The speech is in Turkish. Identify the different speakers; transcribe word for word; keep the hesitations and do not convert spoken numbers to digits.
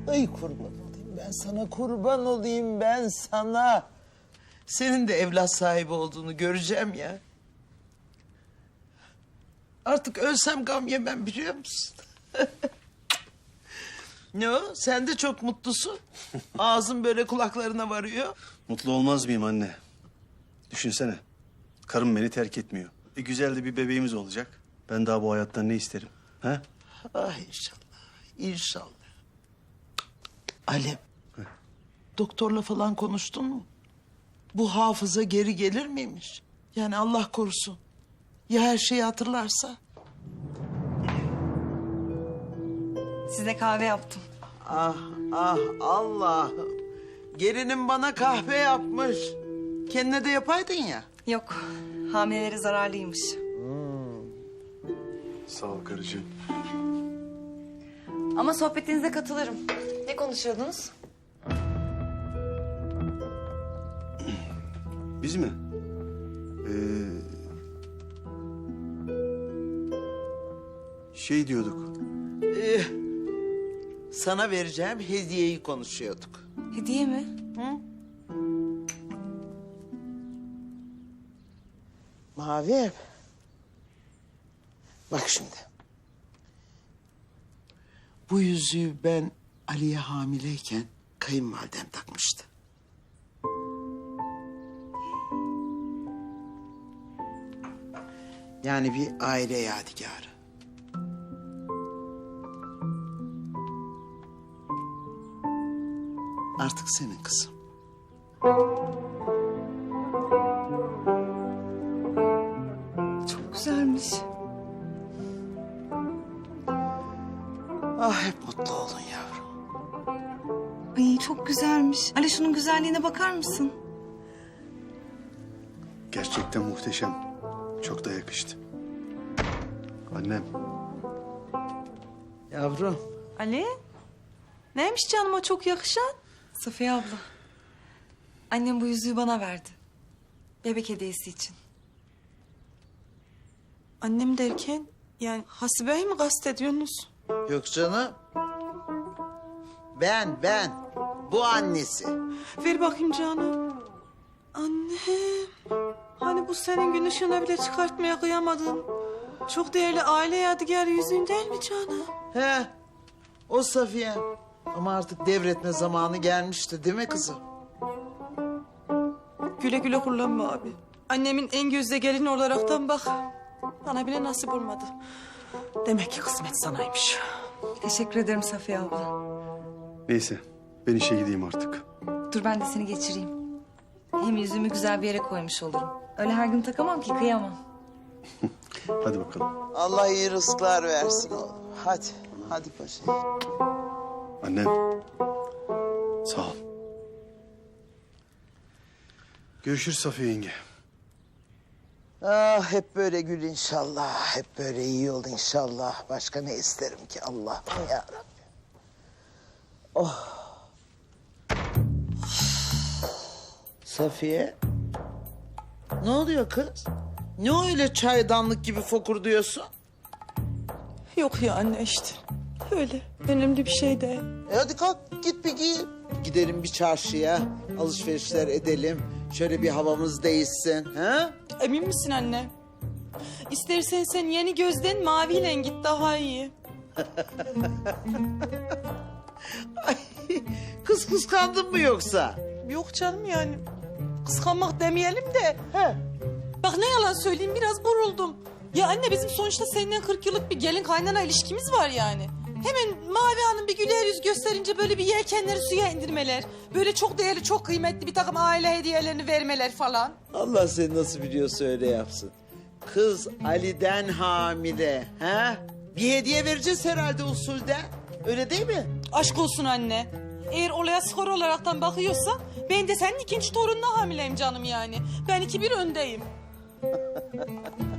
Speaker 1: Ay kurban olayım ben sana, kurban olayım ben sana. Senin de evlat sahibi olduğunu göreceğim ya. Artık ölsem gam yemem, biliyor musun? Ne o? Sen de çok mutlusun. Ağzın böyle kulaklarına varıyor.
Speaker 2: Mutlu olmaz mıyım anne? Düşünsene. Karım beni terk etmiyor. E, güzel de bir bebeğimiz olacak. Ben daha bu hayattan ne isterim? Ha?
Speaker 1: Ah inşallah, inşallah. Alem, doktorla falan konuştun mu? Bu hafıza geri gelir miymiş? Yani Allah korusun. Ya her şeyi hatırlarsa?
Speaker 3: Size kahve yaptım.
Speaker 1: Ah ah Allah'ım. Gelinim bana kahve yapmış. Kendine de yapaydın ya.
Speaker 3: Yok, hamilelere zararlıymış.
Speaker 2: Sağ ol karıcığım.
Speaker 3: Ama sohbetinize katılırım. Ne konuşuyordunuz?
Speaker 2: Biz mi? Ee, şey diyorduk.
Speaker 1: Ee, sana vereceğim hediyeyi konuşuyorduk.
Speaker 3: Hediye mi?
Speaker 1: Mavi. Bak şimdi. Bu yüzüğü ben Ali'ye hamileyken kayınvalidem takmıştı. Yani bir aile yadigarı. Artık senin kızım.
Speaker 3: Çok güzelmiş.
Speaker 1: Ah hep mutlu olun yavrum.
Speaker 3: Ay çok güzelmiş. Ali şunun güzelliğine bakar mısın?
Speaker 2: Gerçekten muhteşem. Çok da yakıştı. Annem.
Speaker 1: Yavrum.
Speaker 4: Ali? Neymiş canıma çok yakışan?
Speaker 3: Safiye abla. Annem bu yüzüğü bana verdi. Bebek hediyesi için.
Speaker 4: Annem derken yani Hasibe'yi mi kastediyorsunuz?
Speaker 1: Yok canım. Ben, ben. Bu annesi.
Speaker 4: Ver bakayım canım. Annem. Hani bu senin gün ışığına bile çıkartmaya kıyamadın. Çok değerli aile yadigarı yüzüğün değil mi canım?
Speaker 1: He. O Safiye. Ama artık devretme zamanı gelmişti değil mi kızım?
Speaker 4: Güle güle kullanma abi. Annemin en gözde gelini olaraktan bak. Bana bile nasip olmadı. Demek ki kısmet sanaymış.
Speaker 3: Teşekkür ederim Safiye abla.
Speaker 2: Neyse ben işe gideyim artık.
Speaker 3: Dur ben de seni geçireyim. Hem yüzüğümü güzel bir yere koymuş olurum. Öyle her gün takamam ki, kıyamam.
Speaker 2: Hadi bakalım.
Speaker 1: Allah iyi rızıklar versin oğlum. Hadi, hadi paşa.
Speaker 2: Annem. Sağ ol. Görüşürüz Safiye yenge.
Speaker 1: Ah hep böyle gül inşallah. Hep böyle iyi ol inşallah. Başka ne isterim ki Allah'ım ya Rabbi. Oh. Safiye. Ne oluyor kız? Ne öyle çaydanlık gibi fokurduyorsun?
Speaker 4: Yok ya anne işte. Öyle. Önemli bir şey değil.
Speaker 1: E hadi kalk git bir giyin. Gidelim bir çarşıya. Alışverişler edelim. Şöyle bir havamız değişsin. Ha?
Speaker 4: Emin misin anne? İstersen sen yeni gözden maviyle git daha iyi.
Speaker 1: Ay, kız kıskandın mı yoksa?
Speaker 4: Yok canım yani. Kıskanmak demeyelim de.
Speaker 1: He.
Speaker 4: Bak ne yalan söyleyeyim biraz buruldum. Ya anne bizim sonuçta seninle kırk yıllık bir gelin kaynana ilişkimiz var yani. Hemen Mavi Hanım bir güler yüz gösterince böyle bir yelkenleri suya indirmeler. Böyle çok değerli, çok kıymetli bir takım aile hediyelerini vermeler falan.
Speaker 1: Allah seni nasıl biliyorsa öyle yapsın. Kız Ali'den hamile. Ha? Bir hediye vereceğiz herhalde usulden. Öyle değil mi?
Speaker 4: Aşk olsun anne. Eğer olaya skor olaraktan bakıyorsa ben de senin ikinci torununa hamileyim canım yani. Ben iki bir öndeyim.